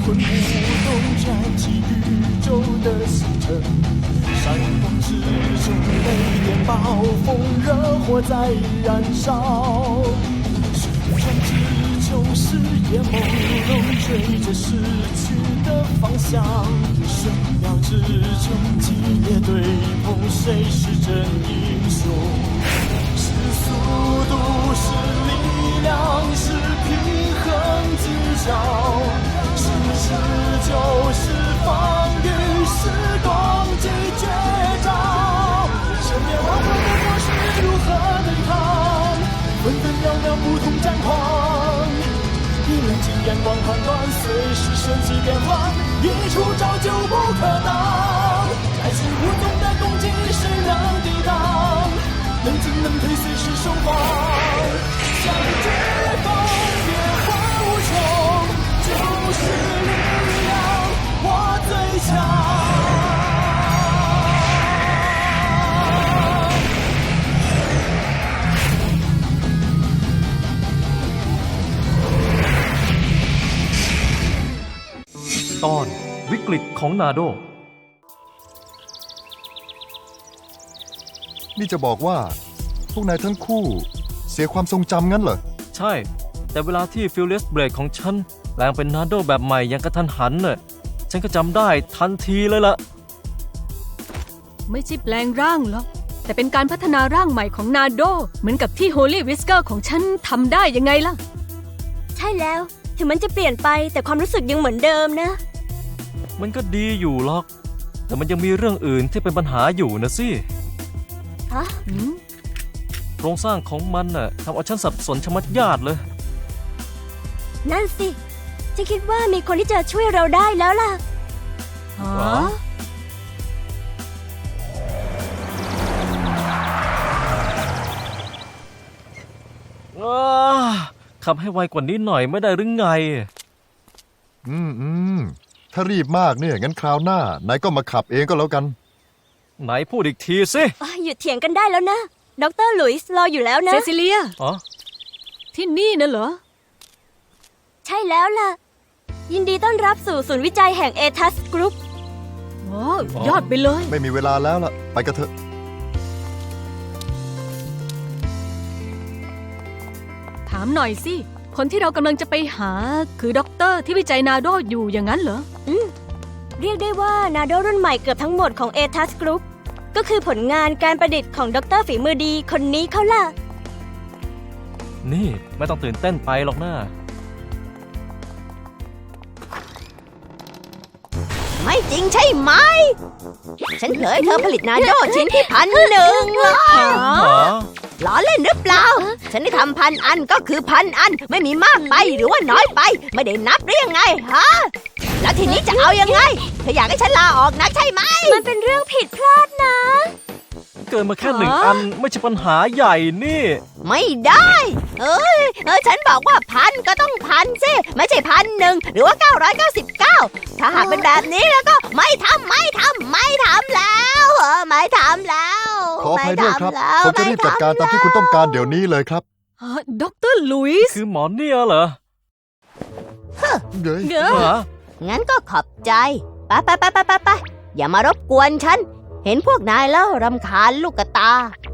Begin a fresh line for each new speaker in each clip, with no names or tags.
魂舞动，燃起宇宙的星辰。闪光之中，雷电暴风，热火在燃烧。旋转之中，视野朦胧，追着逝去的方向。瞬秒之中，激烈对碰，谁是真英雄？是速度，是力量，是平衡技巧，是持久，是防御，是攻击绝招。身边万万的果实如何对抗？分分秒秒不同战况，以冷静眼光判断，随时瞬息变幻，一出招就不可挡。来势无踪的攻击，谁能抵挡？能进能退，随时收放。向绝风，变化无穷，就是力量，我最强。
ตอนวิกฤตของนาโด
นี่จะบอกว่าพวกนายทั้งคู่เสียความทรงจำงั้นเหรอ
ใช่แต่เวลาที่ฟิลเลสเบรดของฉันแปลงเป็นนาโดแบบใหม่อย่างกระทันหันน่ะฉันก็จำได้ทันทีเลยล่ะ
ไม่ใช่แปลงร่างหรอกแต่เป็นการพัฒนาร่างใหม่ของนาโดเหมือนกับที่โฮลี่วิสเกอร์ของฉันทำได้ยังไงล่ะ
ใช่แล้วถึงมันจะเปลี่ยนไปแต่ความรู้สึกยังเหมือนเดิมนะ
มันก็ดีอยู่หรอกแต่มันยังมีเรื่องอื่นที่เป็นปัญหาอยู่นะสิ
ฮะ
โครงสร้างของมันน่ะทำเอาฉันสับสนชะมัดญาติเลย
นั่นสิฉันคิดว่ามีคนที่จะช่วยเราได้แล้วล่ะ
ขับให้ไวกว่านี้หน่อยไม่ได้หรือไง
ถ้ารีบมากเนี่ยงั้นคราวหน้านายก็มาขับเองก็แล้วกัน
ไหนพูดอีกทีสิ
หยุดเถียงกันได้แล้วนะดร.หลุยส์รออยู่แล้วนะ
เซซิเลียที่นี่น่ะเหรอ
ใช่แล้วล่ะยินดีต้อนรับสู่ศูนย์วิจัยแห่งเอทัสกรุ๊ป
ยอดไปเลย
ไม่มีเวลาแล้วล่ะไปกันเถอะ
ถามหน่อยสิคนที่เรากำลังจะไปหาคือด็อกเตอร์ที่วิจัยนาโดอยู่อย่างนั้นเหรอ
เรียกได้ว่านาโดรุ่นใหม่เกือบทั้งหมดของเอทัสกรุ๊ปก็คือผลงานการประดิษฐ์ของด็อกเตอร์ฝีมือดีคนนี้เขาล่ะ
นี่ไม่ต้องตื่นเต้นไปหรอกนะ
ไม่จริงใช่ไหมฉันเคยเธอผลิตนาโดชิ้นที่1,000ล้อเล่นหรือเปล่าฉันได้ทำ1,000 อันก็คือ1,000 อันไม่มีมากไปหรือว่าน้อยไปไม่ได้นับหรือยังไงฮะแล้วทีนี้จะเอายังไงเธออยากให้ฉันลาออกนักใช่ไหมมันเป็นเรื่องผิดพลาดนะ
เกินมาแค่1 อันไม่ใช่ปัญหาใหญ่นี่
ไม่ได้ฉันบอกว่า1,000ก็ต้อง1,000สิไม่ใช่1,001หรือว่า999ถ้าหากเป็นแบบนี้แล้วก็ไม่ทำแล้วไม่ทำแล้ว
ขออภัยด้วยครับผมจะรีบจัดการตามที่คุณต้องการเดี๋ยวนี้เลยครับ
ด็อกเตอร์ลุยส์
คือหมอเนี่ยเหรอ
งั้นก็ขอบใจไปอย่ามารบกวนฉันเห็นพวกนายแล้วรำคาญลูกตา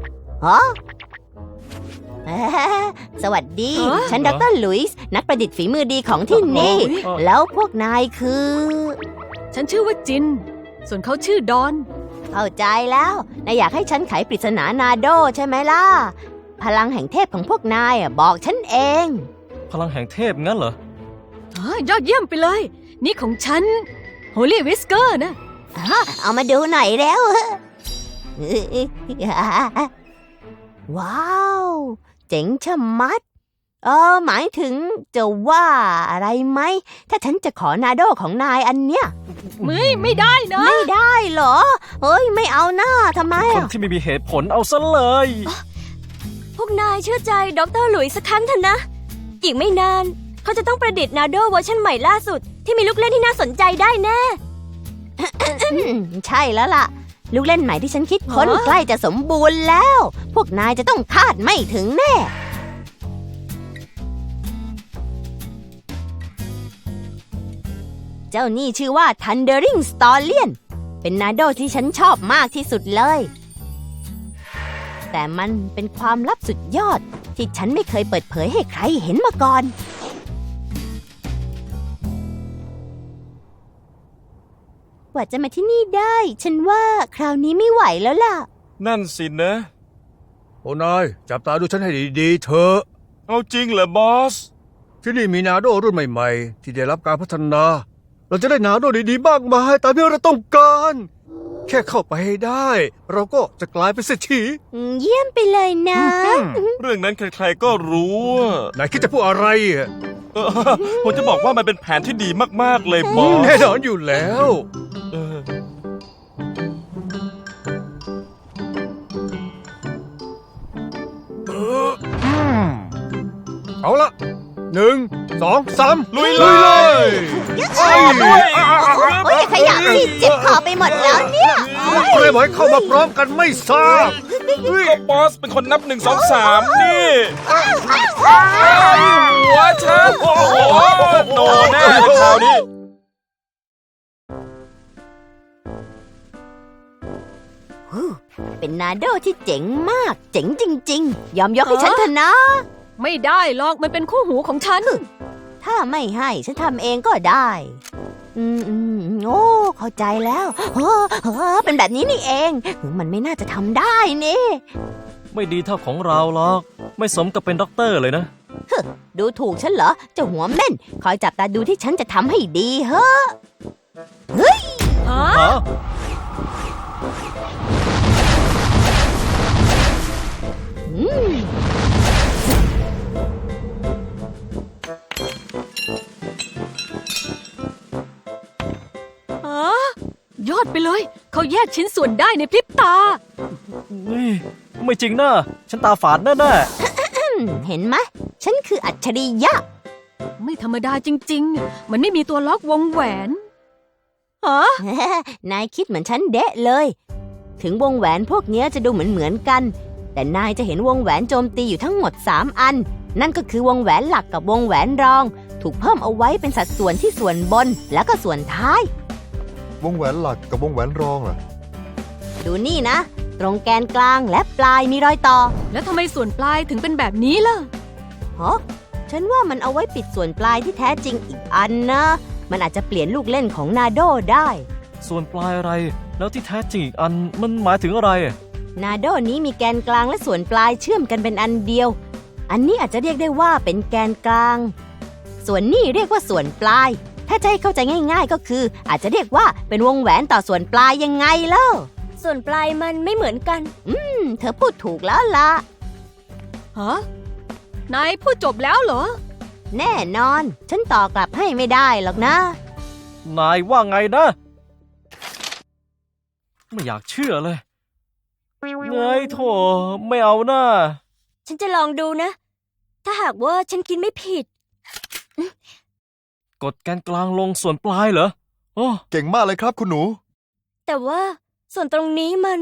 สวัสดีฉันดร.หลุยส์นักประดิษฐ์ฝีมือดีของที่นี่แล้วพวกนายคือ
ฉันชื่อว่าจินส่วนเขาชื่อดอน
เข้าใจแล้วนายอยากให้ฉันไขปริศนานาโดใช่ไหมล่ะพลังแห่งเทพของพวกนายบอกฉันเอง
พลังแห่งเทพงั้นเหร
อยอดเยี่ยมไปเลยนี่ของฉันโฮลี่วิสเกอร์นะ
เอามาดูหน่อยแล้วว้าวเจ๋งชะมัดหมายถึงจะว่าอะไรไหมถ้าฉันจะขอนาโดของนายอันเนี้ย
ไม่ได้นะ
ไม่ได้เหรอไม่เอาหน้าทำไม
คนที่ไม่มีเหตุผลเอาซะเลย
พวกนายเชื่อใจดร.หลุยส์สักครั้งเถอะนะอีกไม่นานเขาจะต้องประดิษฐ์นาโดเวอร์ชันใหม่ล่าสุดที่มีลูกเล่นที่น่าสนใจได้แน่ ใช่แล้วล่ะลูกเล่นใหม่ที่ฉันคิดค้นใกล้จะสมบูรณ์แล้วพวกนายจะต้องคาดไม่ถึงแน่เจ้านี่ชื่อว่า Thundering Stallion เป็นนาโดที่ฉันชอบมากที่สุดเลย แต่มันเป็นความลับสุดยอดที่ฉันไม่เคยเปิดเผยให้ใครเห็นมาก่อนกว่าจะมาที่นี่ได้ ฉันว่าคราวนี้ไม่ไหวแล้วล่ะ
นั่นสินะ
โอ้นายจับตาดูฉันให้ดีๆเถอะ
เอาจริงเหรอบอส
ที่นี่มีนาโดรุ่นใหม่ๆ ที่ได้รับการพัฒนา เราจะได้นาโดดีๆมากมายตามที่เราต้องการ แค่เข้าไปให้ได้ เราก็จะกลายเป็นเศรษฐี
เยี่ยมไปเลยนะ
เรื่องนั้นใครๆก็รู้อะ
นายคิดจะพูดอะไรอะ
เออผมจะบอกว่ามันเป็นแผนที่ดีมากๆเลยบอส
แน่นอนอยู่แล้ว
เออ
เอาละ1 2 3
ลุยเลย
ไอ้
โอ้ยอย่าขยับสิเจ็บคอไปหมดแล้วเนี่ย
ใครบอกให้เข้ามาพร้อมกันไม่ทราบ
ก็บอสเป็นคนนับ1 2 3นี่หัวฉันโอ้โหโดนแน่คราวนี้
เป็นนาโดที่เจ๋งมาก เจ๋งจริงๆ ยอมยกให้ฉันเถอะนะ
ไม่ได้หรอกมันเป็นคู่หูของฉัน
ถ้าไม่ให้ฉันทำเองก็ได้โอ้เข้าใจแล้วเป็นแบบนี้นี่เอง มันไม่น่าจะทำได้นี่
ไม่ดีเท่าของเราหรอก ไม่สมกับเป็นด็อกเตอร์เลยนะ
ดูถูกฉันเหรอเจ้าหัวเม่น คอยจับตาดูที่ฉันจะทำให้ดีเฮ้อ
ฮะ
อืม
ยอดไปเลย เขาแยกชิ้นส่วนได้ในพริบตา
นี่ไม่จริงนะฉันตาฝาดแน่
เห็นไหมฉันคืออัจฉริยะ
ไม่ธรรมดาจริงๆ มันไม่มีตัวล็อกวงแหวนฮะ
นายคิดเหมือนฉันเดะเลย ถึงวงแหวนพวกเนี้ยจะดูเหมือนกัน แต่นายจะเห็นวงแหวนโจมตีอยู่ทั้งหมด3อัน นั่นก็คือวงแหวนหลักกับวงแหวนรอง ถูกเพิ่มเอาไว้เป็นสัดส่วนที่ส่วนบนแล้วก็ส่วนท้าย
วงแหวนหลักกับวงแหวนรองล่ะ
ดูนี่นะ ตรงแกนกลางและปลายมีรอยต่อ
แล้วทำไมส่วนปลายถึงเป็นแบบนี้ล่ะ
ฮะฉันว่ามันเอาไว้ปิดส่วนปลายที่แท้จริงอีกอันนะ มันอาจจะเปลี่ยนลูกเล่นของนาโดได้
ๆ ส่วนปลายอะไร แล้วที่แท้จริงอีกอันมันหมายถึงอะไร
นาโดนี้มีแกนกลางและส่วนปลายเชื่อมกันเป็นอันเดียว อันนี้อาจจะเรียกได้ว่าเป็นแกนกลาง ส่วนนี้เรียกว่าส่วนปลาย ถ้าจะให้เข้าใจง่ายๆก็คือ อาจจะเรียกว่าเป็นวงแหวนต่อส่วนปลายยังไงเล่าส่วนปลายมันไม่เหมือนกัน เธอพูดถูกแล้วล่ะ
ฮะ นายพูดจบแล้วเหรอ
แน่นอน ฉันต่อกลับให้ไม่ได้หรอกนะ
นายว่าไงนะ ไม่อยากเชื่อเลยเงยโถไม่เอานะ
ฉันจะลองดูนะ ถ้าหากว่าฉันคิดไม่ผิด
กดแกนกลางลงส่วนปลายเหรอโอ้
เก่งมากเลยครับคุณหนู
แต่ว่าส่วนตรงนี้มัน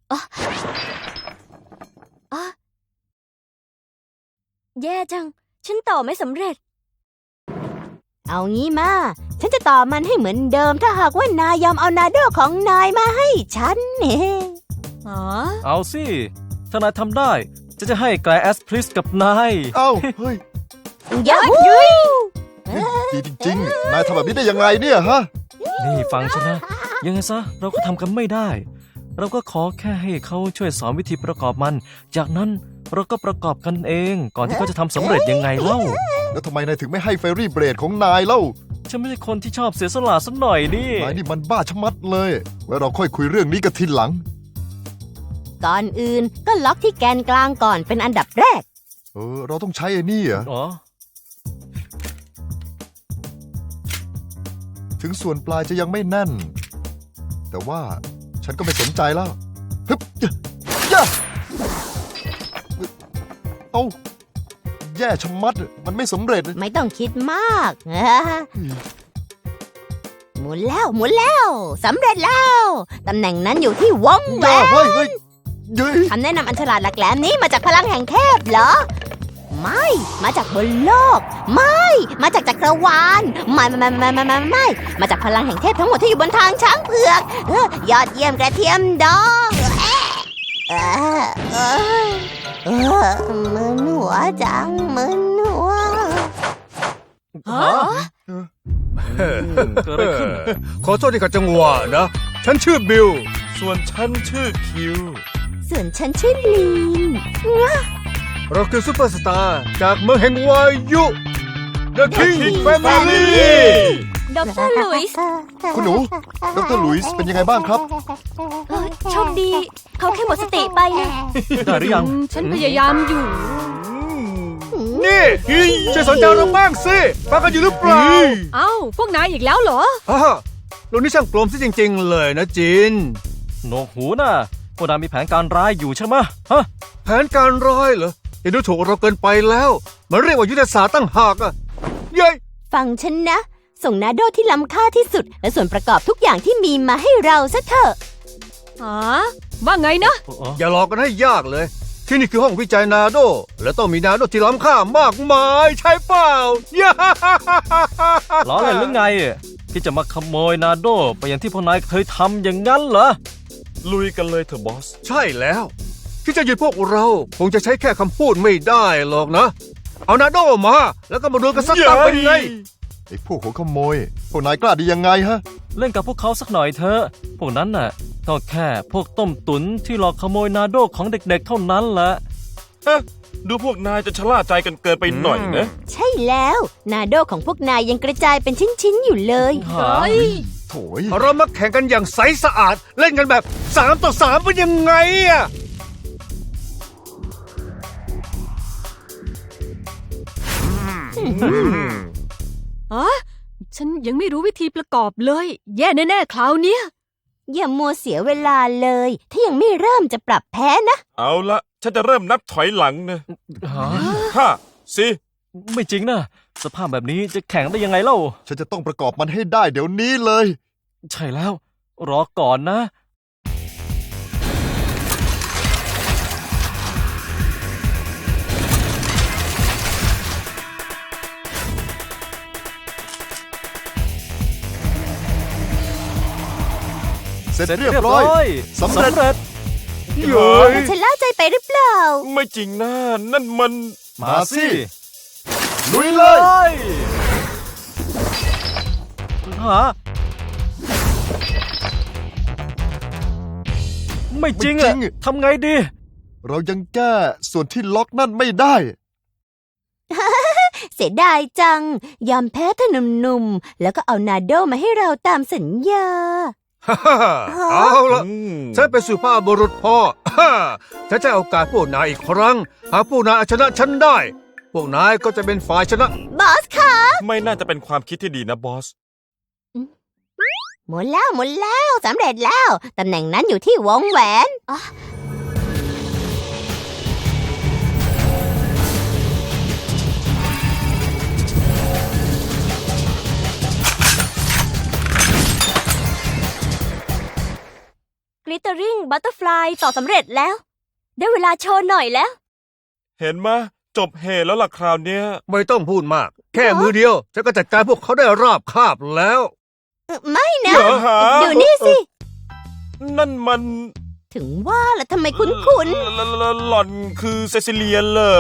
แย่จัง ฉันต่อไม่สำเร็จ เอางี้มา ฉันจะต่อมันให้เหมือนเดิม ถ้าหากว่านายยอมเอานาโดของนายมาให้ฉันเนี่ย
อ๋อ
เอาสิ ถ้านายทำได้ จะให้ไกลแอสพลิสกับนาย
เอ้า เฮ้ย
ยาฮู
ดีจริงๆ นายทำแบบนี้ได้ยังไงเนี่ยฮะ
นี่ฟังฉันนะ ยังไงซะเราก็ทำกันไม่ได้ เราก็ขอแค่ให้เขาช่วยสอนวิธีประกอบมัน จากนั้นเราก็ประกอบกันเอง ก่อนที่เขาจะทำสำเร็จยังไงเล่า
แล้วทำไมนายถึงไม่ให้เฟรรี่เบรดของนายเล่า
ฉันไม่ใช่คนที่ชอบเสียสละสักหน่อยนี่
นายนี่มันบ้าชะมัดเลย ไว้เราค่อยคุยเรื่องนี้กันทีหลัง
ก่อนอื่นก็ล็อกที่แกนกลางก่อนเป็นอันดับแรก
เราต้องใช้ไอ้นี่เหรอ
อ๋อ
ถึงส่วนปลายจะยังไม่แน่น แต่ว่าฉันก็ไม่สนใจแล้วฮึบย่าเอาแย่ชะมัด มันไม่สำเร็จ
ไม่ต้องคิดมาก หมุนแล้วสำเร็จแล้วตำแหน่งนั้นอยู่ที่วงแหว
ย่าน เฮ้ยเย้ย
คำแนะนำอันฉลาดหลักแหลมนี้มาจากพลังแห่งเทพเหรอไม่ มาจากบนโลก ไม่ มาจากจักรวาล ไม่ มาจากพลังแห่งเทพทั้งหมดที่อยู่บนทางช้างเผือกยอดเยี่ยมกระเทียมดองมึนหัวจังมึนหัว
เกิดอะไรขึ้น
ขอโทษที่ขัดจังหวะนะ ฉันชื่อบิล
ส่วนฉันชื่อคิว
ส่วนฉันชื่อลีน
เราคือซุปเปอร์สตาร์จากเมืองแห่งวายุ The King Family
ดรหลุยส์
คุณหนู ดรหลุยส์เป็นยังไงบ้างครับ
โชคดี เขาแค่หมดสติไปนะ
ได้หรือยัง
ฉันพยายามอยู่
นี่ช่วยสนใจเราบ้างสิฟังกันอยู่หรือเปล่า
เอ้า พวกนายอีกแล้วเหรอ
ฮ่าลุงนี่ช่างกลมซะจริงๆเลยนะจิน
โหนวกหูน่ะพวกนายมีแผนการร้ายอยู่ใช่ไหมฮะ
แผนการร้ายเหรออย่าดูถูกเราเกินไปแล้ว มันเรียกว่ายุทธศาสตร์ตั้งหากอะเย้ย
ฟังฉันนะ ส่งนาโดที่ล้ำค่าที่สุด และส่วนประกอบทุกอย่างที่มีมาให้เราซะเถอะ
ว่าไงนะ
อย่าหลอกกันให้ยากเลย ที่นี่คือห้องวิจัยนาโด และต้องมีนาโดที่ล้ำค่ามากมายใช่เปล่าย่า
ล้อเล่นหรือไงที่จะมาขโมยนาโดไปอย่างที่พวกนายเคยทำอย่างนั้นเหรอ
ลุยกันเลยเถอะบอส
ใช่แล้ว ที่จะหยุดพวกเราคงจะใช้แค่คำพูดไม่ได้หรอกนะ เอานาโดมา แล้วก็มาดูกันสักตั้งเป็นไง
ไอ้พวกหัวขโมย พวกนายกล้าดียังไงฮะ
เล่นกับพวกเขาสักหน่อยเถอะพวกนั้นน่ะก็แค่พวกต้มตุ๋นที่หลอกขโมยนาโดของเด็กๆเท่านั้นแหละ
ดูพวกนายจะชะล่าใจกันเกินไปหน่อยนะ
ใช่แล้ว นาโดของพวกนายยังกระจายเป็นชิ้นๆอยู่เลย
หา
โถย
เรามาแข่งกันอย่างใสสะอาด เล่นกันแบบ3 ต่อ 3เป็นยังไงอะ
ฉันยังไม่รู้วิธีประกอบเลย แย่แน่ๆคราวเนี้ย
อย่ามัวเสียเวลาเลย ถ้ายังไม่เริ่มจะปรับแพ้นะ
เอาละฉันจะเริ่มนับถอยหลังนะ
หา
5 4
ไม่จริงนะสภาพแบบนี้จะแข่งได้ยังไงเล่า
ฉันจะต้องประกอบมันให้ได้เดี๋ยวนี้เลย
ใช่แล้ว รอก่อนนะ
เสร็จเรียบร้อย สำเร็จ
เย้ย
ฉันล่าใจไปหรือเปล่า
ไม่จริงนะนั่นมัน
มาสิลุยเลย
หาไม่จริงอะทำไงดี
เรายังแก้ส่วนที่ล็อกนั่นไม่ได้
เสียดายจัง ยอมแพ้เธอหนุ่มๆ แล้วก็เอานาโดมาให้เราตามสัญญา
ฮ่าเอาละฉันเป็นสุภาพบุรุษพ่อฉันจะเอาโอกาสพวกนายอีกครั้ง หากพวกนายเอาชนะฉันได้ พวกนายก็จะเป็นฝ่ายชนะ
บอสคะ
ไม่น่าจะเป็นความคิดที่ดีนะบอส
หมุนแล้วสำเร็จแล้ว ตำแหน่งนั้นอยู่ที่วงแหวน
กลิตเตอริงบัตเตอร์ฟลายต่อสำเร็จแล้ว ได้เวลาโชว์หน่อยแล้ว
เห็นมะจบเหตุแล้วล่ะคราวเนี้ย
ไม่ต้องพูดมาก แค่มือเดียวฉันก็จัดการพวกเขาได้ราบคาบแล้ว
ไม่นะ
เหรอหา
ดูนี่สิ
นั่นมัน
ถึงว่าล่ะทำไมคุ้น
หล่อนคือเซซิเลียเหรอ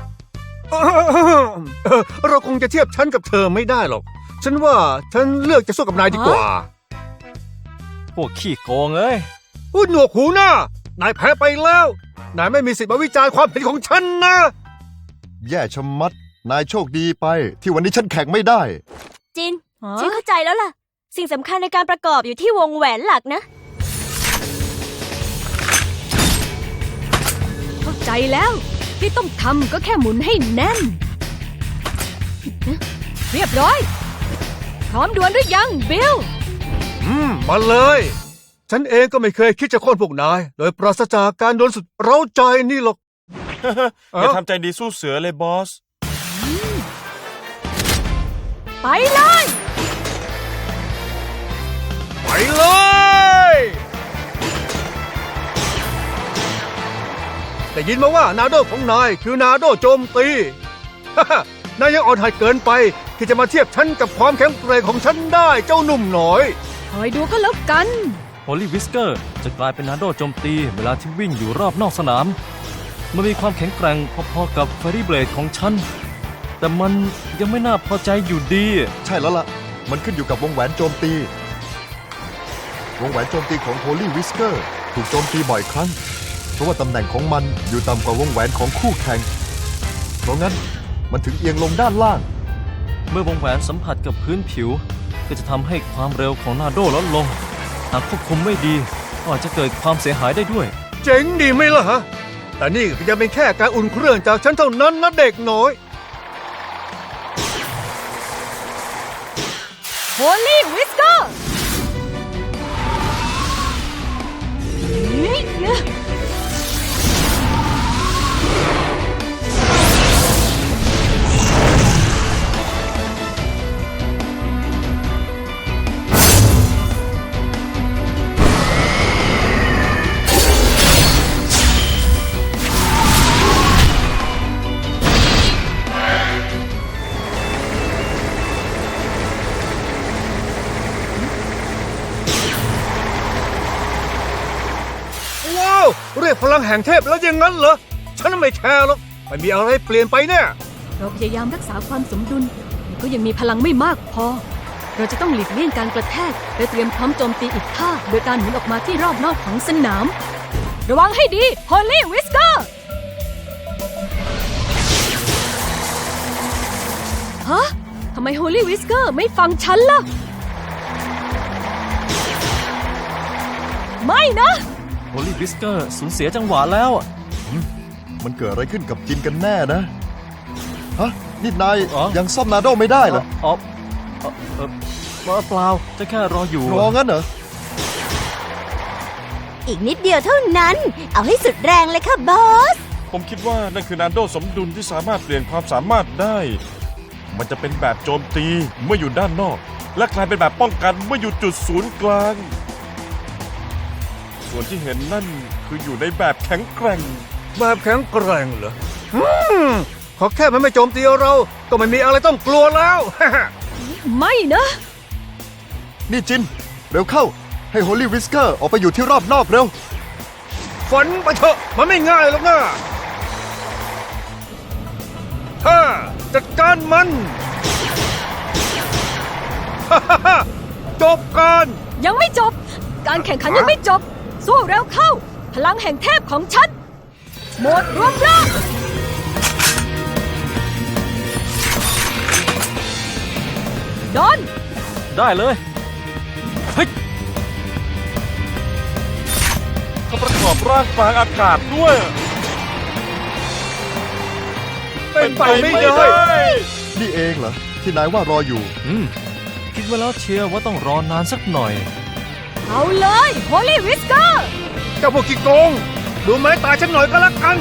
เราคงจะเทียบฉันกับเธอไม่ได้หรอก ฉันว่าฉันเลือกจะสู้กับนายดีกว่า
พวกขี้โกงเอ้ย
พูดหนวกหูหน้านายแพ้ไปแล้ว นายไม่มีสิทธิ์มาวิจารณ์ความเห็นของฉันนะ
แย่ชะมัด นายโชคดีไป ที่วันนี้ฉันแข่งไม่ได้
จิน ฉันเข้าใจแล้วล่ะ สิ่งสำคัญในการประกอบอยู่ที่วงแหวนหลักนะ
เข้าใจแล้ว ที่ต้องทำก็แค่หมุนให้แน่น เรียบร้อย พร้อมดวลหรือยังบิล
มาเลย ฉันเองก็ไม่เคยคิดจะโค่นพวกนาย โดยปราศจากการโดนสุดเร้าใจนี่หรอก
อย่าทำใจดีสู้เสือเลยบอส
ไปเลย
ไปเลย ได้ยินมาว่านาโดของนายคือนาโดโจมตีนายยังอ่อนหัดเกินไปที่จะมาเทียบฉันกับความแข็งแกร่งของฉันได้เจ้าหนุ่มน้อย
คอยดูก็แล้วกัน
โฮลี่วิสเกอร์จะกลายเป็นนาโดโจมตีเวลาที่วิ่งอยู่รอบนอกสนาม มันมีความแข็งแกร่งพอๆกับเฟรรี่เบลดของฉัน แต่มันยังไม่น่าพอใจอยู่ดี
ใช่แล้วล่ะ มันขึ้นอยู่กับวงแหวนโจมตี วงแหวนโจมตีของโฮลี่วิสเกอร์ถูกโจมตีบ่อยครั้ง เพราะว่าตำแหน่งของมันอยู่ต่ำกว่าวงแหวนของคู่แข่ง เพราะงั้นมันถึงเอียงลงด้านล่าง
เมื่อวงแหวนสัมผัสกับพื้นผิว ก็จะทำให้ความเร็วของนาโดลดลง หากควบคุมไม่ดีก็อาจจะเกิดความเสียหายได้ด้วย
เจ๋งดีไหมล่ะฮะ แต่นี่ก็ยังเป็นแค่การอุ่นเครื่องจากฉันเท่านั้นนะเด็กน้อย
โฮลี่วิสเกอร์
ว้าว เรียกพลังแห่งเทพแล้วอย่างนั้นเหรอ ฉันไม่แคร์หรอกไม่มีอะไรเปลี่ยนไปแน่
เราพยายามรักษาความสมดุลแต่ก็ยังมีพลังไม่มากพอ เราจะต้องหลีกเลี่ยงการกระแทกและเตรียมพร้อมโจมตีอีกท่าโดยการหมุนออกมาที่รอบนอกของสนาม ระวังให้ดีโฮลี่วิสเกอร์ฮะทำไมโฮลี่วิสเกอร์ไม่ฟังฉันล่ะ ไม่นะ
โฮลี่วิสเกอร์สูญเสียจังหวะแล้ว
มันเกิดอะไรขึ้นกับจินกันแน่นะ ฮะ นี่นาย
อ๋อ
ยังซ่อมนาโดไม่ได้เหรอ
เปล่าจะแค่รออยู่
รองั้นเหรอ
อีกนิดเดียวเท่านั้น เอาให้สุดแรงเลยค่ะบอส
ผมคิดว่านั่นคือนาโดสมดุลที่สามารถเปลี่ยนความสามารถได้ มันจะเป็นแบบโจมตีเมื่ออยู่ด้านนอก และกลายเป็นแบบป้องกันเมื่ออยู่จุดศูนย์กลาง ส่วนที่เห็นนั่นคืออยู่ในแบบแข็งแกร่ง
แบบแข็งแกร่งเหรอขอแค่มันไม่โจมตีเรา ก็ไม่มีอะไรต้องกลัวแล้ว
ไม่นะ
นี่จิน เร็วเข้า ให้โฮลี่วิสเกอร์ออกไปอยู่ที่รอบนอกเร็ว
ฝันไปเถอะมันไม่ง่ายหรอกนะฮ่าจัดการมัน จบการ
ยังไม่จบ การแข่งขันยังไม่จบ สู้เร็วเข้า พลังแห่งเทพของฉันโหมดรวมร่างดอน
ได้เลยเฮ้ย
เขาประกอบร่างกลางอากาศด้วย
เป็นไปไม่ได้
นี่เองเหรอ ที่นายว่ารออยู่
คิดไว้แล้วเชียร์ว่าต้องรอนานสักหน่อย
เอาเลยโฮลี่วิสเกอร์
เจ้าพวกขี้โกง ดูไม้ตายฉันหน่อยก็แล้วกัน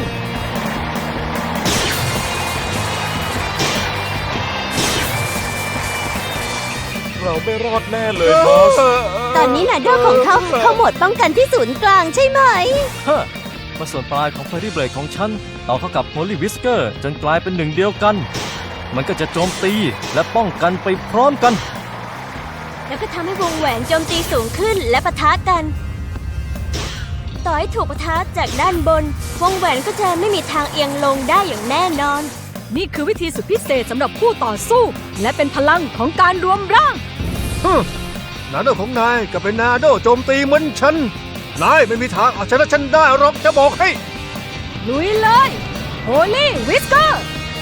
เราไม่รอดแน่เลยบอส
ตอนนี้นาโดของเขาเข้าโหมดป้องกันที่ศูนย์กลางใช่ไหม
ฮะมาส่วนปลายของเฟรรี่เบลดของฉันต่อเข้ากับโฮลี่วิสเกอร์จนกลายเป็นหนึ่งเดียวกัน มันก็จะโจมตีและป้องกันไปพร้อมกัน
แล้วก็ทำให้วงแหวนโจมตีสูงขึ้นและปะทะกัน ต่อให้ถูกปะทะจากด้านบน วงแหวนก็จะไม่มีทางเอียงลงได้อย่างแน่นอน
นี่คือวิธีสุดพิเศษสำหรับผู้ต่อสู้ และเป็นพลังของการรวมร่าง
นาโดของนายก็เป็นนาโดโจมตีเหมือนฉัน นายไม่มีทางเอาชนะฉันได้หรอกจะบอกให้
ลุยเลยโฮลี่วิสเกอร์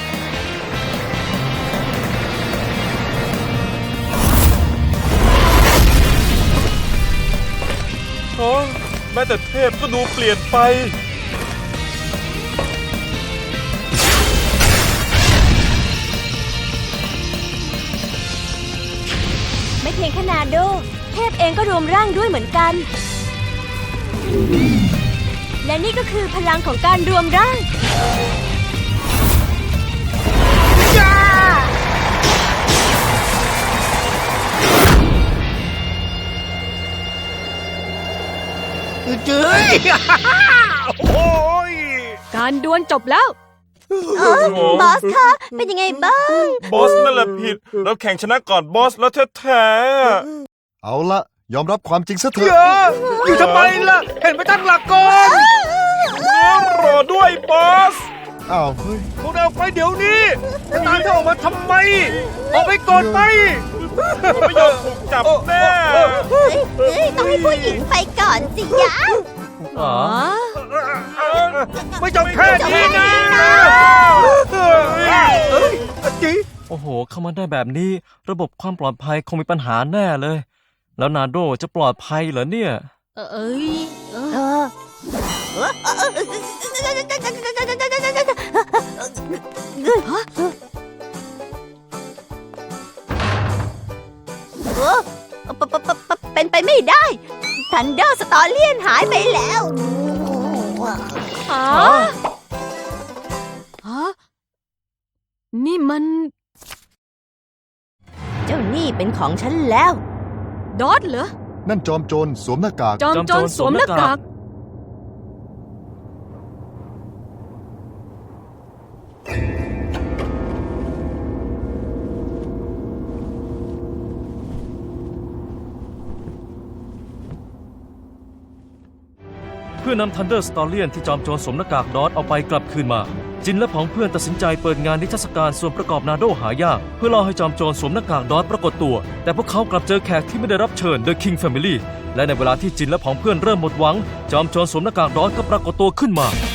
แม้แต่เทพก็ดูเปลี่ยนไป
ไม่เพียงแค่นาโด เทพเองก็รวมร่างด้วยเหมือนกัน และนี่ก็คือพลังของการรวมร่าง
เจ้ย โอ้ย
การดวลจบแล้ว
บอสคะเป็นยังไงบ้าง
บอสนั่นแหละผิดเราแข่งชนะก่อนบอสแล้วแท้
เอาละยอมรับความจริงซะเถ
เย
อะ
อะอยู่ทำไมล่ะ เห็นไปตั้งหลักก่อน
ๆรอด้วยบอส
อ้าวเฮ้ย
พวกเราออกไปเดี๋ยวนี้จะตามเธอออกมาทำไม ออกไปก่อนไป
ไม่ยอมถูกจับแน่
ต้องให้ผู้หญิงไปก่อนสิยะ
อ๋อ
ไม่จบแค่นี้นะจี
โอ้โห เข้ามาได้แบบนี้ ระบบความปลอดภัยคงมีปัญหาแน่เลย แล้วนาโดจะปลอดภัยเหรอเนี่ย
เอ้ย
เป็นไปไม่ได้ทันเดอร์สตอเลียนหายไปแล้ว
นี่มัน
เจ้านี่เป็นของฉันแล้ว
ดอทเหรอ
นั่นจอมโจรสวมหน้ากาก
จอมโจรสวมหน้ากาก
เพื่อนำทันเดอร์สตอเลียนที่จอมโจรสวมหน้ากากดอทเอาไปกลับคืนมา จินและผองเพื่อนตัดสินใจเปิดงานนิทรรศการส่วนประกอบนาโดหายากเพื่อล่อให้จอมโจรสวมหน้ากากดอทปรากฏตัว แต่พวกเขากลับเจอแขกที่ไม่ได้รับเชิญ The King Family และในเวลาที่จินและผองเพื่อนเริ่มหมดหวัง จอมโจรสวมหน้ากากดอทก็ปรากฏตัวขึ้นมา